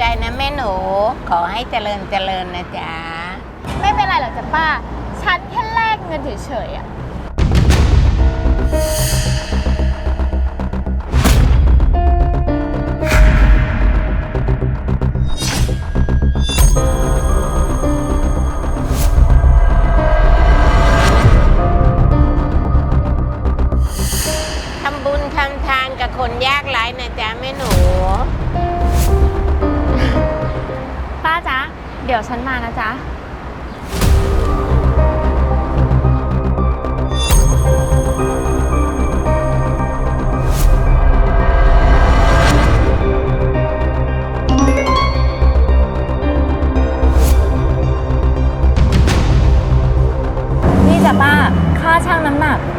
นะแม่หนูขอให้เจริญเจริญนะจ๊ะไม่เป็นไรหรอกจ้ะป้าฉันแค่แลกเงินเฉยๆอะทำบุญทำทานกับคนยากไร้นะจ๊ะแม่หนูป้าจ๊ะเดี๋ยวฉันมานะจ๊ะนี่จ้ะป้าค่าชั่งน้ำหนัก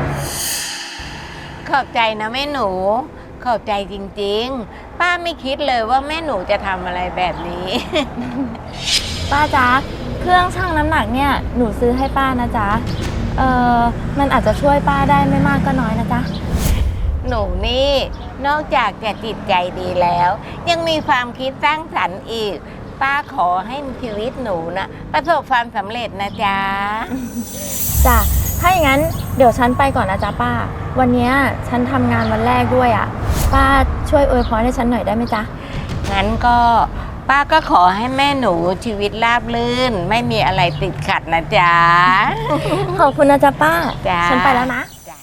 ขอบใจนะแม่หนูขอบใจจริงๆป้าไม่คิดเลยว่าแม่หนูจะทำอะไรแบบนี้ป้าจ๊ะเครื่องชั่งน้ำหนักเนี่ยหนูซื้อให้ป้านะจ๊ะมันอาจจะช่วยป้าได้ไม่มากก็น้อยนะจ๊ะหนูนี่นอกจากจะจิตใจดีแล้ว ยังมีความคิดสร้างสรรค์อีกป้าขอให้ชีวิตหนูนะประสบความสำเร็จนะจ๊ะจ้ะถ้าอย่างนั้นเดี๋ยวฉันไปก่อนนะจ๊ะป้าวันนี้ฉันทำงานวันแรกด้วยอ่ะป้าช่วยอวยพรให้ฉันหน่อยได้ไหมจ๊ะงั้นก็ป้าก็ขอให้แม่หนูชีวิตราบรื่นไม่มีอะไรติดขัดนะจ๊ะขอบคุณนะจ๊ะป้าจ้ะฉันไปแล้วนะ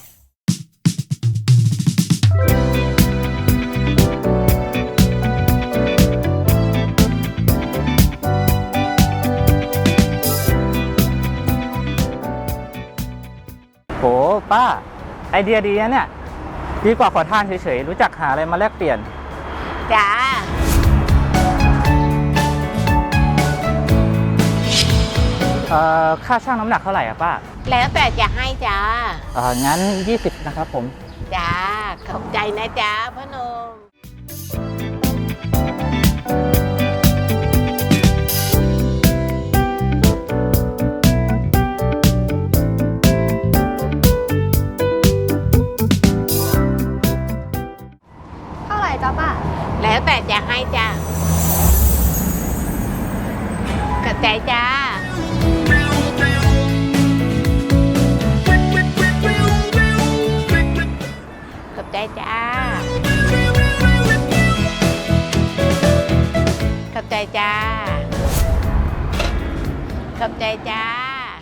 โหป้าไอเดียดีนะเนี่ยดีกว่าขอทานเฉยๆรู้จักหาอะไรมาแลกเปลี่ยนจ้าค่าชั่งน้ำหนักเท่าไหร่อะป้าแล้วแต่จะให้จ้างั้น20นะครับผมจ้าขอบใจนะจ้าพ่อหนุ่มเท่าไหร่จ๊ะป้าแล้วแต่จะให้จ้าขอบใจจ้าขอบใจจ้าขอบใจจ้าขอบใจจ้า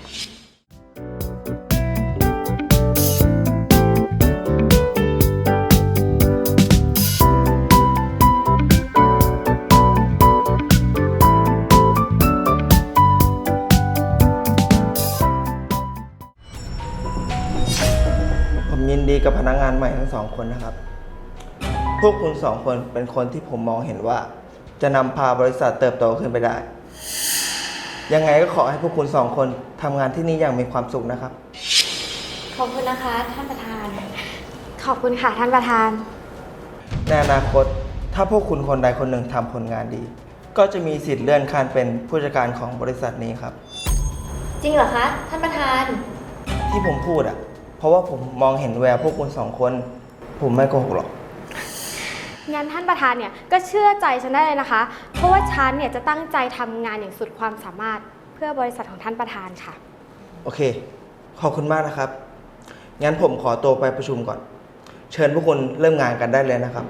ผมยินดีกับพนักงานใหม่ทั้งสองคนนะครับ พวกคุณสองคนเป็นคนที่ผมมองเห็นว่า จะนำพาบริษัทเติบโตขึ้นไปได้ ยังไงก็ขอให้พวกคุณสองคนทำงานที่นี่อย่างมีความสุขนะครับขอบคุณนะคะท่านประธานขอบคุณค่ะท่านประธานในอนาคตถ้าพวกคุณคนใดคนหนึ่งทำผลงานดี ก็จะมีสิทธิ์เลื่อนขั้นเป็นผู้จัดการของบริษัทนี้ครับจริงเหรอคะท่านประธานที่ผมพูดอ่ะเพราะว่าผมมองเห็นแววพวกคุณสองคนผมไม่โกหกหรอกงั้นท่านประธานเนี่ยก็เชื่อใจฉันได้เลยนะคะเพราะว่าฉันเนี่ยจะตั้งใจทำงานอย่างสุดความสามารถเพื่อบริษัทของท่านประธานค่ะโอเคขอบคุณมากนะครับงั้นผมขอตัวไปประชุมก่อนเชิญพวกคุณเริ่มงานกันได้เลยนะครับ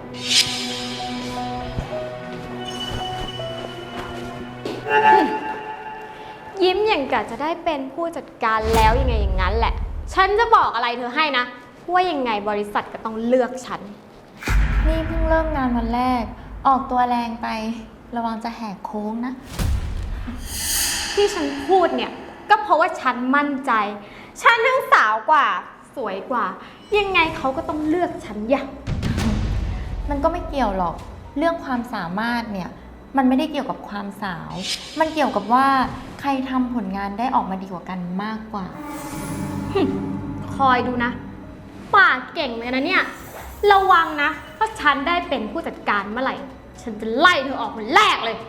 ยิ้มอย่างกะจะได้เป็นผู้จัดการแล้วยังไงอย่างนั้นแหละฉันจะบอกอะไรเธอให้นะว่ายังไงบริษัทก็ต้องเลือกฉันนี่เพิ่งเริ่มงานวันแรกออกตัวแรงไประวังจะแหกโค้งนะที่ฉันพูดเนี่ยก็เพราะว่าฉันมั่นใจฉันทั้งสาวกว่าสวยกว่ายังไงเขาก็ต้องเลือกฉันอย่างมันก็ไม่เกี่ยวหรอกเรื่องความสามารถเนี่ยมันไม่ได้เกี่ยวกับความสาวมันเกี่ยวกับว่าใครทำผลงานได้ออกมาดีกว่ากันมากกว่าคอยดูนะปากเก่งเลยนะเนี่ยระวังนะถ้าฉันได้เป็นผู้จัดการเมื่อไหร่ฉันจะไล่เธอออกคนแรกเลย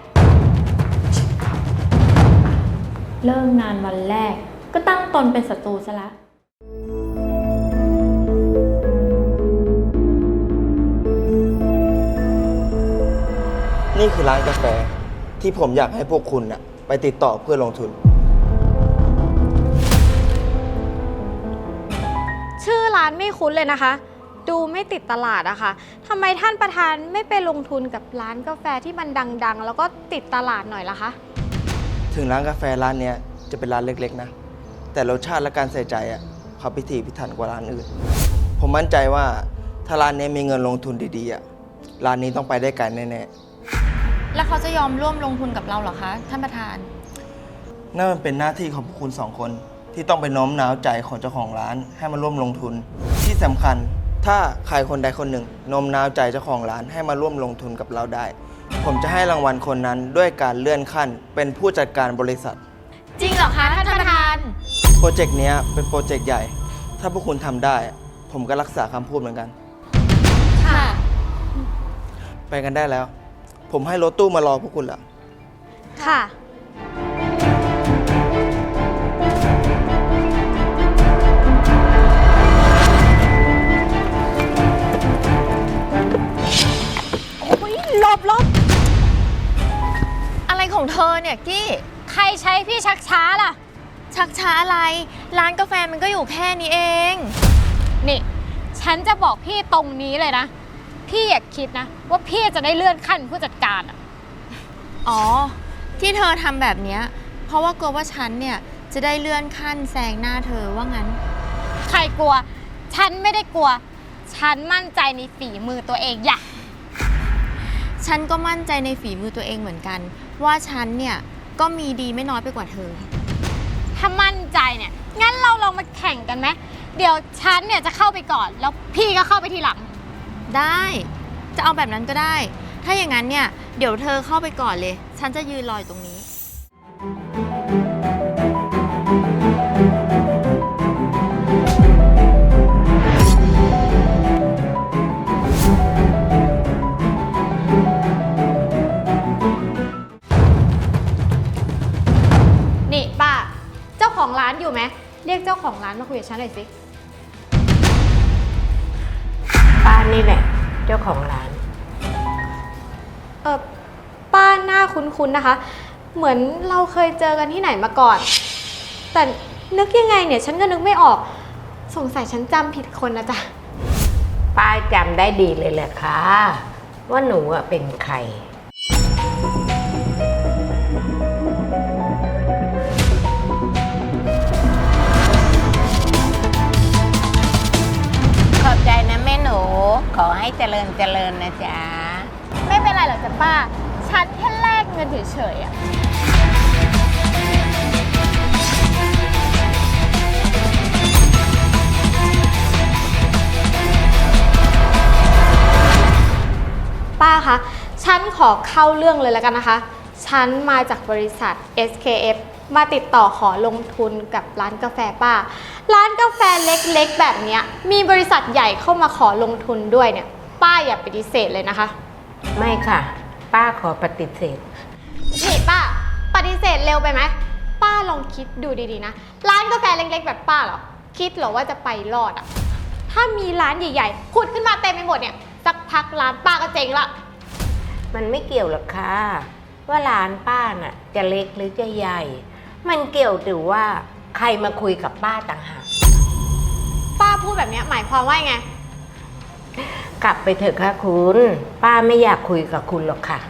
เริ่มงานวันแรกก็ตั้งตนเป็นศัตรูซะละนนี่คือร้านกาแฟที่ผมอยากให้พวกคุณน่ะไปติดต่อเพื่อลงทุนชื่อร้านไม่คุ้นเลยนะคะ ดูไม่ติดตลาดอะค่ะทำไมท่านประธานไม่ไปลงทุนกับร้านกาแฟที่มันดังๆ แล้วก็ติดตลาดหน่อยล่ะคะถึงร้านกาแฟร้านเนี้ยจะเป็นร้านเล็กๆนะ แต่รสชาติและการใส่ใจอ่ะเขาพิถีพิถันกว่าร้านอื่น ผมมั่นใจว่าถ้าร้านนี้มีเงินลงทุนดีๆอ่ะร้านนี้ต้องไปได้ไกลแน่แล้วเขาจะยอมร่วมลงทุนกับเราเหรอคะ ท่านประธานๆนั่นมันเป็นหน้าที่ของพวกคุณสองคนที่ต้องไปโน้มน้าวใจของเจ้าของร้านให้มาร่วมลงทุน ที่สำคัญถ้าใครคนใดคนหนึ่งโน้มน้าวใจเจ้าของร้านให้มาร่วมลงทุนกับเราได้ ผมจะให้รางวัลคนนั้นด้วยการเลื่อนขั้นเป็นผู้จัดการบริษัทจริงเหรอคะท่านประธานโปรเจกต์เนี้ยเป็นโปรเจกต์ใหญ่ ถ้าพวกคุณทำได้ ผมก็รักษาคำพูดเหมือนกันค่ะไปกันได้แล้ว ผมให้รถตู้มารอพวกคุณแล้วค่ะอะไรของเธอเนี่ยกี้ใครใช้พี่ชักช้าล่ะชักช้าอะไร ร้านกาแฟมันก็อยู่แค่นี้เองนี่ ฉันจะบอกพี่ตรงนี้เลยนะ พี่อย่าคิดนะ ว่าพี่จะได้เลื่อนขั้นผู้จัดการอะอ๋อ ที่เธอทำแบบเนี้ยเพราะว่ากลัวว่าฉันเนี่ยจะได้เลื่อนขั้นแซงหน้าเธอว่างั้นใครกลัว ฉันไม่ได้กลัว ฉันมั่นใจในฝีมือตัวเองอย่าฉันก็มั่นใจในฝีมือตัวเองเหมือนกัน ว่าฉันเนี่ยก็มีดีไม่น้อยไปกว่าเธอถ้ามั่นใจเนี่ย งั้นเราลองมาแข่งกันไหม เดี๋ยวฉันเนี่ยจะเข้าไปก่อน แล้วพี่ก็เข้าไปทีหลังได้ จะเอาแบบนั้นก็ได้ ถ้าอย่างนั้นเนี่ยเดี๋ยวเธอเข้าไปก่อนเลย ฉันจะยืนรออยู่ตรงนี้นี่ป้า เจ้าของร้านอยู่ไหม เรียกเจ้าของร้านมาคุยกับฉันหน่อยสิป้านี่แหละ เจ้าของร้านป้าหน้าคุ้นๆนะคะ เหมือนเราเคยเจอกันที่ไหนมาก่อน แต่นึกยังไงเนี่ย ฉันก็นึกไม่ออก สงสัยฉันจำผิดคนนะจ๊ะป้าจำได้ดีเลยแหละค่ะ ว่าหนูอะเป็นใคร ขอบใจนะแม่หนู ขอให้เจริญเจริญนะจ๊ะไม่เป็นไรหรอกจ้ะป้า ฉันแค่แลกเงินเฉยๆอะ ป้าคะ ฉันขอเข้าเรื่องเลยแล้วกันนะคะ ฉันมาจากบริษัท SKF มาติดต่อขอลงทุนกับร้านกาแฟป้า ร้านกาแฟเล็กๆแบบเนี้ยมีบริษัทใหญ่เข้ามาขอลงทุนด้วยเนี่ย ป้าอย่าปฏิเสธเลยนะคะไม่ค่ะ ป้าขอปฏิเสธนี่ป้า ปฏิเสธเร็วไปไหม ป้าลองคิดดูดีๆนะ ร้านกาแฟเล็กๆแบบป้าเหรอ คิดเหรอว่าจะไปรอดอ่ะ ถ้ามีร้านใหญ่ๆผุดขึ้นมาเต็มไปหมดเนี่ย สักพักร้านป้าก็เจ๊งละมันไม่เกี่ยวหรอกค่ะ ว่าร้านป้าน่ะ จะเล็กหรือจะใหญ่ มันเกี่ยวถือว่าใครมาคุยกับป้าต่างหากป้าพูดแบบเนี้ยหมายความว่าไงกลับไปเถอะค่ะคุณ ป้าไม่อยากคุยกับคุณหรอกค่ะ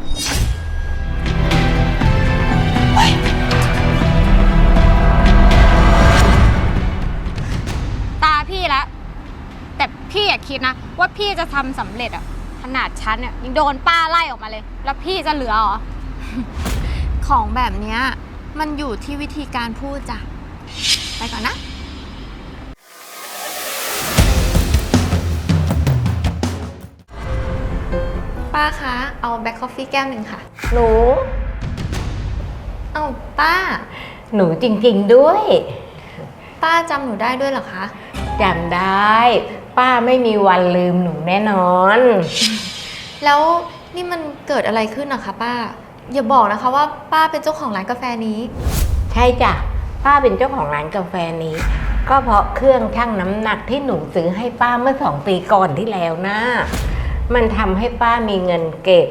ตาพี่แล้ว แต่พี่อย่าคิดนะ ว่าพี่จะทำสำเร็จอ่ะ ขนาดฉันเนี่ยยังโดนป้าไล่ออกมาเลย แล้วพี่จะเหลือเหรอของแบบเนี้ยมันอยู่ที่วิธีการพูดจ้ะ ไปก่อนนะ ป้าคะ เอาแบล็คคอฟฟี่แก้วหนึ่งค่ะหนูเอ้าป้าหนูจริงๆด้วยป้าจำหนูได้ด้วยเหรอคะจำได้ ป้าไม่มีวันลืมหนูแน่นอนแล้วนี่มันเกิดอะไรขึ้นนะคะป้า อย่าบอกนะคะว่าป้าเป็นเจ้าของร้านกาแฟนี้ใช่จ้ะ ป้าเป็นเจ้าของร้านกาแฟนี้ ก็เพราะเครื่องชั่งน้ำหนักที่หนูซื้อให้ป้าเมื่อ2 ปีก่อนที่แล้วนะ มันทำให้ป้ามีเงินเก็บ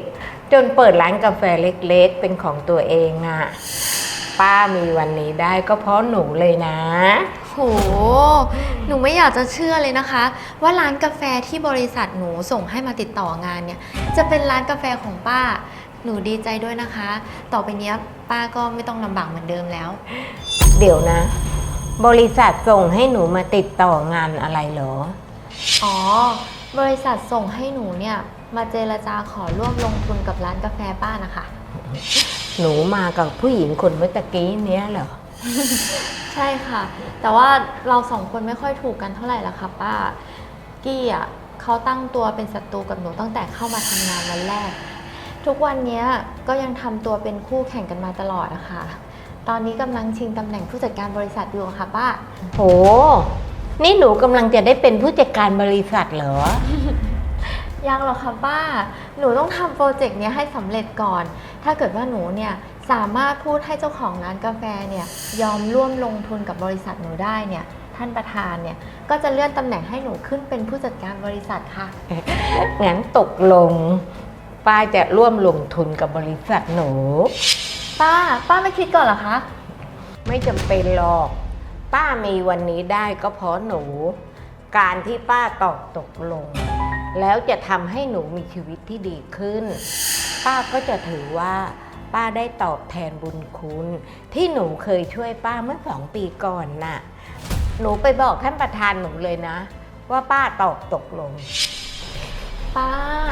จนเปิดร้านกาแฟเล็กๆเป็นของตัวเองอะป้ามีวันนี้ได้ก็เพราะหนูเลยนะโห หนูไม่อยากจะเชื่อเลยนะคะ ว่าร้านกาแฟที่บริษัทหนูส่งให้มาติดต่องานเนี่ย จะเป็นร้านกาแฟของป้า หนูดีใจด้วยนะคะ ต่อไปเนี้ยป้าก็ไม่ต้องลำบากเหมือนเดิมแล้วเดี๋ยวนะ บริษัทส่งให้หนูมาติดต่องานอะไรเหรออ๋อ บริษัทส่งให้หนูเนี่ยมาเจรจาขอร่วมลงทุนกับร้านกาแฟป้านะคะหนูมากับผู้หญิงคนเมื่อตะกี้เนี้ยเหรอใช่ค่ะ แต่ว่าเราสองคนไม่ค่อยถูกกันเท่าไหร่ละค่ะป้า กี้อ่ะเขาตั้งตัวเป็นศัตรูกับหนูตั้งแต่เข้ามาทำงานวันแรก ทุกวันนี้ก็ยังทำตัวเป็นคู่แข่งกันมาตลอดนะคะ ตอนนี้กำลังชิงตำแหน่งผู้จัดการบริษัทอยู่ค่ะป้าโห นี่หนูกำลังจะได้เป็นผู้จัดการบริษัทเหรอยังหรอกค่ะป้า หนูต้องทำโปรเจกต์เนี้ยให้สำเร็จก่อน ถ้าเกิดว่าหนูเนี่ยสามารถพูดให้เจ้าของร้านกาแฟเนี่ยยอมร่วมลงทุนกับบริษัทหนูได้เนี่ยท่านประธานเนี่ยก็จะเลื่อนตำแหน่งให้หนูขึ้นเป็นผู้จัดการบริษัทค่ะงั้นตกลง ป้าจะร่วมลงทุนกับบริษัทหนูป้าไม่คิดก่อนเหรอคะไม่จำเป็นหรอก ป้ามีวันนี้ได้ก็เพราะหนู การที่ป้าตอบตกลง แล้วจะทำให้หนูมีชีวิตที่ดีขึ้น ป้าก็จะถือว่า ป้าได้ตอบแทนบุญคุณ ที่หนูเคยช่วยป้าเมื่อ2 ปีก่อนน่ะ หนูไปบอกท่านประธานหนูเลยนะ ว่าป้าตอบตกลงป้า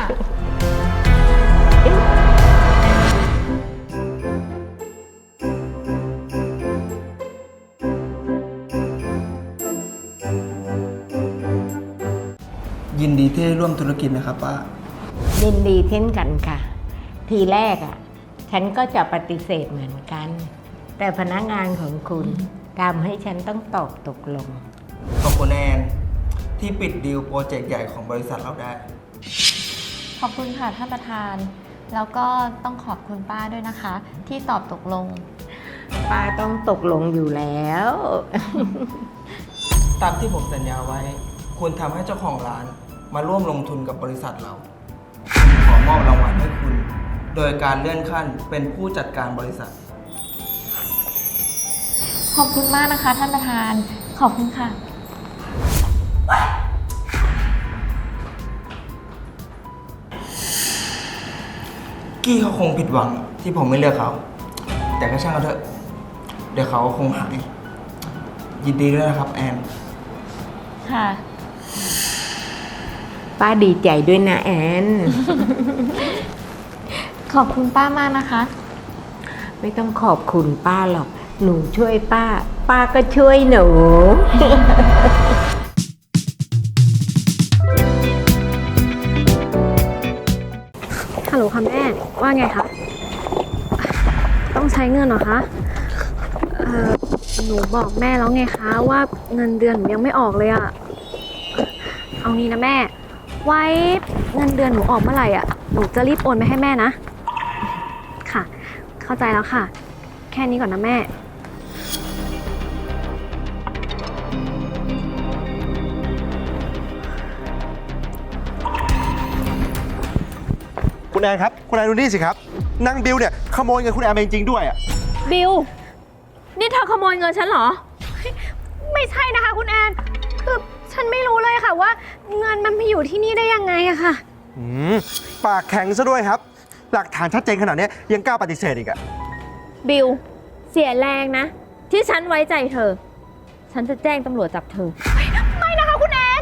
ยินดีที่ได้ร่วมธุรกิจนะครับป้ายินดีเช่นกันค่ะ ทีแรกฉันก็จะปฏิเสธเหมือนกัน แต่พนักงานของคุณทำให้ฉันต้องตอบตกลงขอบคุณแอนที่ปิดดีลโปรเจกต์ใหญ่ของบริษัทเราได้ขอบคุณค่ะท่านประธาน แล้วก็ต้องขอบคุณป้าด้วยนะคะ ที่ตอบตกลงป้าต้องตกลงอยู่แล้วตามที่ผมสัญญาไว้ คุณทำให้เจ้าของร้านมาร่วมลงทุนกับบริษัทเราขอมอบรางวัลให้คุณ โดยการเลื่อนขั้นเป็นผู้จัดการบริษัทขอบคุณมากนะคะท่านประธาน ขอบคุณค่ะกี้เขาคงผิดหวังที่ผมไม่เลือกเขา แต่ก็ช่างเขาเถอะ เดี๋ยวเขาคงหาย ยินดีด้วยนะครับแอนค่ะป้าดีใจด้วยนะแอนขอบคุณป้ามากนะคะไม่ต้องขอบคุณป้าหรอก หนูช่วยป้า ป้าก็ช่วยหนูฮัลโหลค่ะแม่ ว่าไงคะ ต้องใช้เงินเหรอคะหนูบอกแม่แล้วไงคะว่าเงินเดือนหนูยังไม่ออกเลยอะเอางี้นะแม่ ไว้เงินเดือนหนูออกเมื่อไหร่อะหนูจะรีบโอนไปให้แม่นะ ค่ะ เข้าใจแล้วค่ะ แค่นี้ก่อนนะแม่คุณแอนครับ คุณแอนดูนี่สิครับนางบิวเนี่ยขโมยเงินคุณแอนไปจริงๆด้วยอ่ะบิว นี่เธอขโมยเงินฉันเหรอ ไม่ใช่นะคะคุณแอน คือฉันไม่รู้เลยค่ะว่าเงินมันไปอยู่ที่นี่ได้ยังไงอะค่ะปากแข็งซะด้วยครับ หลักฐานชัดเจนขนาดนี้ยังกล้าปฏิเสธอีกอ่ะบิว เสียแรงนะ ที่ฉันไว้ใจเธอ ฉันจะแจ้งตำรวจจับเธอ ไม่นะคะคุณแอน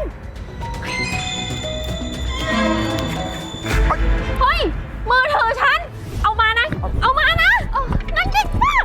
เฮ้ย มือถือฉัน เอามานะ เอามานะนั่นกิ๊กป้า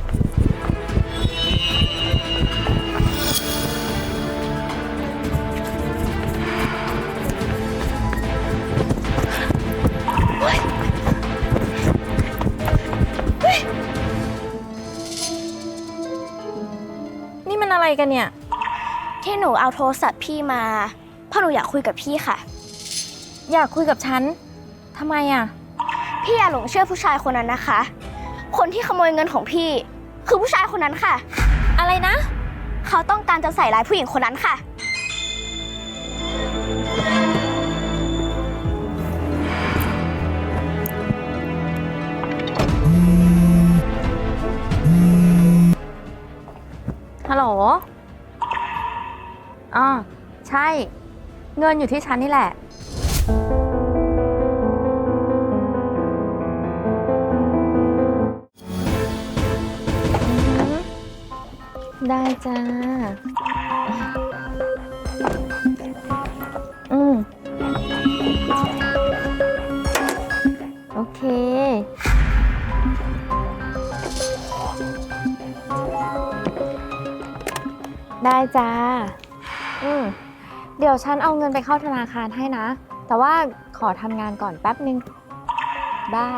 นี่มันอะไรกันเนี่ยที่หนูเอาโทรศัพท์พี่มาเพราะหนูอยากคุยกับพี่ค่ะอยากคุยกับฉัน ทำไมอ่ะพี่อย่าหลงเชื่อผู้ชายคนนั้นนะคะ คนที่ขโมยเงินของพี่ คือผู้ชายคนนั้นค่ะอะไรนะเขาต้องการจะใส่ร้ายผู้หญิงคนนั้นค่ะฮัลโหลอ๋อใช่ เงินอยู่ที่ฉันนี่แหละ ได้จ้า โอเค ได้จ้า เดี๋ยวฉันเอาเงินไปเข้าธนาคารให้นะ แต่ว่าขอทำงานก่อนแป๊บนึง บาย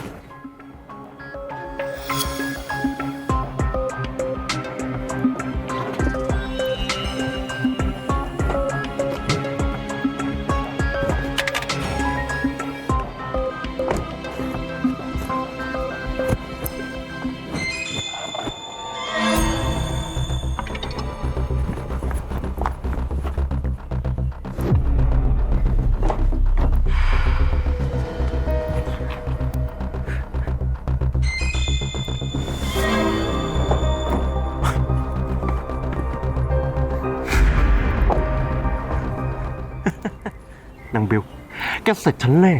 นางบิวแกเสร็จฉันแน่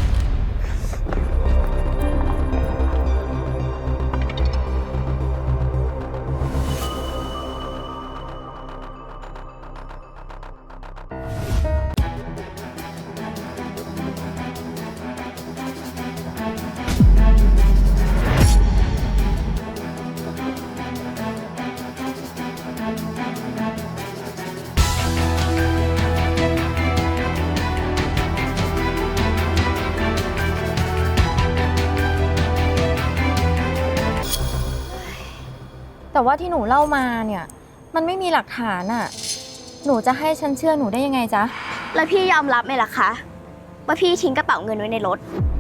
แต่ว่าที่หนูเล่ามาเนี่ย มันไม่มีหลักฐานอะหนูจะให้ฉันเชื่อหนูได้ยังไงจ๊ะแล้วพี่ยอมรับไหมล่ะคะว่าพี่ทิ้งกระเป๋าเงินไว้ในรถ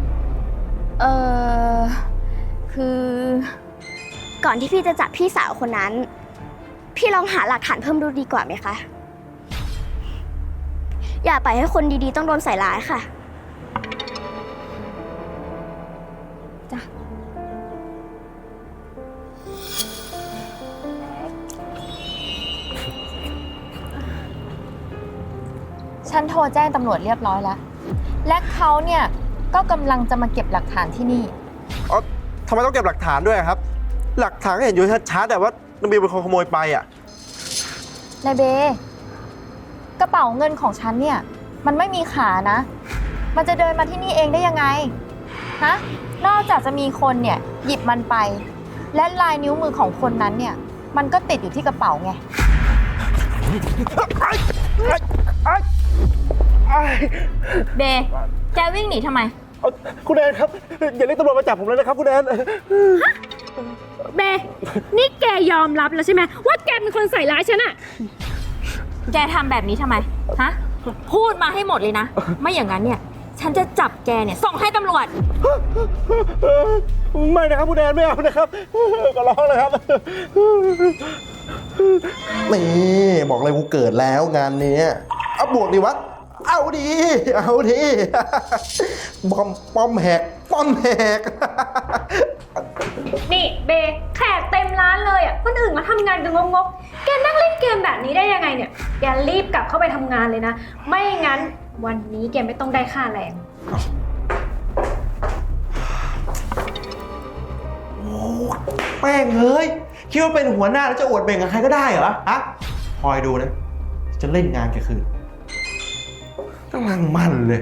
คือก่อนที่พี่จะจับพี่สาวคนนั้น พี่ลองหาหลักฐานเพิ่มดูดีกว่าไหมคะ อย่าปล่อยให้คนดีๆต้องโดนใส่ร้ายค่ะจ้ะ ฉันโทรแจ้งตำรวจเรียบร้อยแล้ว และเขาเนี่ยก็กำลังจะมาเก็บหลักฐานที่นี่อ๋อทำไมต้องเก็บหลักฐานด้วยครับ หลักฐานก็เห็นอยู่ชัดๆแต่ว่านางบิวเป็นคนขโมยไปอ่ะนายเบ กระเป๋าเงินของฉันเนี่ย มันไม่มีขานะ มันจะเดินมาที่นี่เองได้ยังไง ฮะ นอกจากจะมีคนเนี่ยหยิบมันไป และลายนิ้วมือของคนนั้นเนี่ย มันก็ติดอยู่ที่กระเป๋าไง เบ แกวิ่งหนีทำไมคุณแอนครับ อย่าเรียกตำรวจมาจับผมเลยนะครับคุณแอนเบ นี่แกยอมรับแล้วใช่ไหมว่าแกเป็นคนใส่ร้ายฉันอะแกทำแบบนี้ทำไม ฮะ พูดมาให้หมดเลยนะ ไม่อย่างนั้นเนี่ย ฉันจะจับแกเนี่ยส่งให้ตำรวจไม่นะครับคุณแอนไม่เอานะครับก็ร้องเลยครับนี่บอกเลยกูเกิดแล้วงานนี้เอาบวกดีวะเอาดีเอาดีป้อมแหกป้อมแหกนี่เบ แขกเต็มร้านเลยอ่ะ คนอื่นมาทำงานกันงกๆแกนั่งเล่นเกมแบบนี้ได้ยังไงเนี่ยแกรีบกลับเข้าไปทำงานเลยนะ ไม่งั้นวันนี้แกไม่ต้องได้ค่าแรงโอ้แป้งเฮ้ยคิดว่าเป็นหัวหน้าแล้วจะอวดเบ่งกับใครก็ได้เหรอฮะคอยดูนะจะเล่นงานแกคืนกำลังมันเลย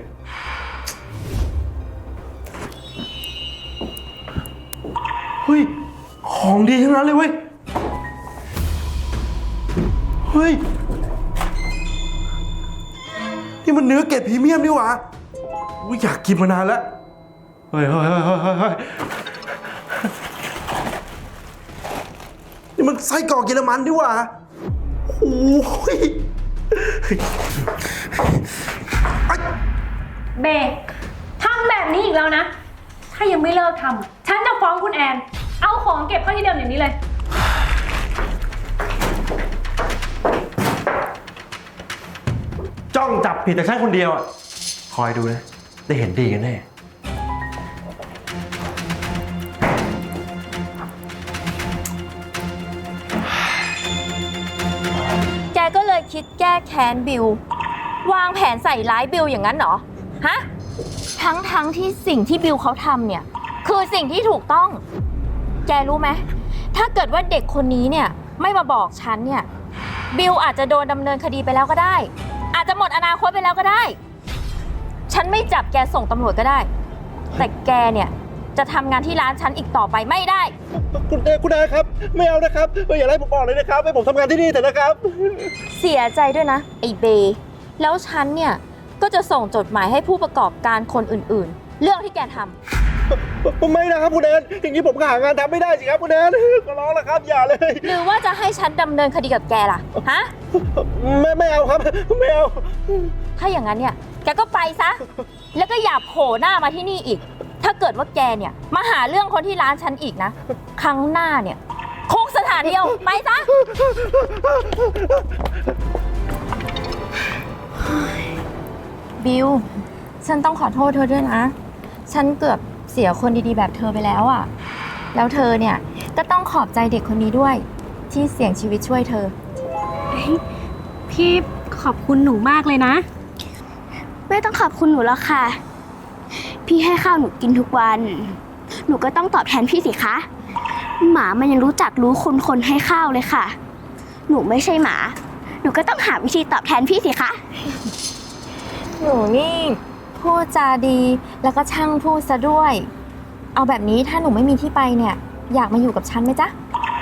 เฮ้ยของดีทั้งนั้นเลยเว้ยเฮ้ยนี่มันเนื้อเกรดพรีเมียมนี่หว่าอยากกินมานานแล้วเฮ้ยนี่มันไส้กรอกเยอรมันดิว่ะโอ้ยเบทำแบบนี้อีกแล้วนะ ถ้ายังไม่เลิกทำฉันจะฟ้องคุณแอน เอาของเก็บเข้าที่เดิมอย่างนี้เลยจ้องจับผิดแต่ฉันคนเดียวอ่ะ คอยดูนะ ได้เห็นดีกันแน่นเลยคิดแก้แค้นบิววางแผนใส่ร้ายบิวอย่างนั้นเหรอฮะทั้งที่สิ่งที่บิวเขาทำเนี่ยคือสิ่งที่ถูกต้องแกรู้ไหมถ้าเกิดว่าเด็กคนนี้เนี่ยไม่มาบอกฉันเนี่ยบิวอาจจะโดนดำเนินคดีไปแล้วก็ได้อาจจะหมดอนาคตไปแล้วก็ได้ฉันไม่จับแกส่งตำรวจก็ได้แต่แกเนี่ยจะทำงานที่ร้านฉันอีกต่อไปไม่ได้คุณนายครับไม่เอานะครับอย่าไล่ผมออกเลยนะครับให้ผมทำงานที่นี่เถอะนะครับเสียใจด้วยนะไอ้เบย์แล้วฉันเนี่ยก็จะส่งจดหมายให้ผู้ประกอบการคนอื่นๆเรื่องที่แกทำไม่นะครับคุณแอนอย่างนี้ผมก็หางานทำไม่ได้สิครับคุณแอนก็ร้องแล้วครับอย่าเลยหรือว่าจะให้ฉันดำเนินคดีกับแกล่ะฮะไม่เอาครับไม่เอาถ้าอย่างนั้นเนี่ยแกก็ไปซะแล้วก็อย่าโผล่หน้ามาที่นี่อีกถ้าเกิดว่าแกเนี่ยมาหาเรื่องคนที่ร้านฉันอีกนะครั้งหน้าเนี่ยคุกสถานเดียวไปซะบิวฉันต้องขอโทษเธอด้วยนะฉันเกือบเสียคนดีๆแบบเธอไปแล้วอ่ะแล้วเธอเนี่ยก็ต้องขอบใจเด็กคนนี้ด้วยที่เสี่ยงชีวิตช่วยเธอพี่ขอบคุณหนูมากเลยนะไม่ต้องขอบคุณหนูแล้วค่ะพี่ให้ข้าวหนูกินทุกวันหนูก็ต้องตอบแทนพี่สิคะหมามันยังรู้จักรู้คุณคนให้ข้าวเลยค่ะหนูไม่ใช่หมาหนูก็ต้องหาวิธีตอบแทนพี่สิคะหนูนี่พูดจาดีแล้วก็ช่างพูดซะด้วยเอาแบบนี้ถ้าหนูไม่มีที่ไปเนี่ยอยากมาอยู่กับฉันไหมจ๊ะ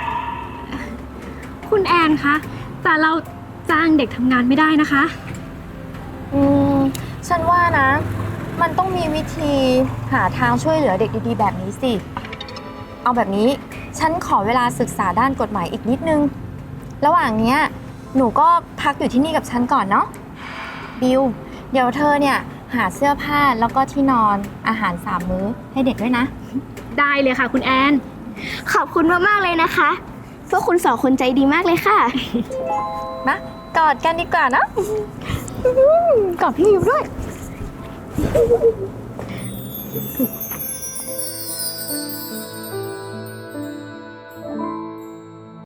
คุณแอนคะแต่เราจ้างเด็กทำงานไม่ได้นะคะฉันว่านะมันต้องมีวิธีหาทางช่วยเหลือเด็กดีๆแบบนี้สิเอาแบบนี้ฉันขอเวลาศึกษาด้านกฎหมายอีกนิดนึงระหว่างเนี้ยหนูก็พักอยู่ที่นี่กับฉันก่อนเนาะบิวเดี๋ยวเธอเนี่ยหาเสื้อผ้าแล้วก็ที่นอนอาหาร3 มื้อให้เด็กด้วยนะได้เลยค่ะคุณแอนขอบคุณมากๆเลยนะคะพวกคุณ2 คนใจดีมากเลยค่ะมากอดกันดีกว่านะกอดพี่บิวด้วย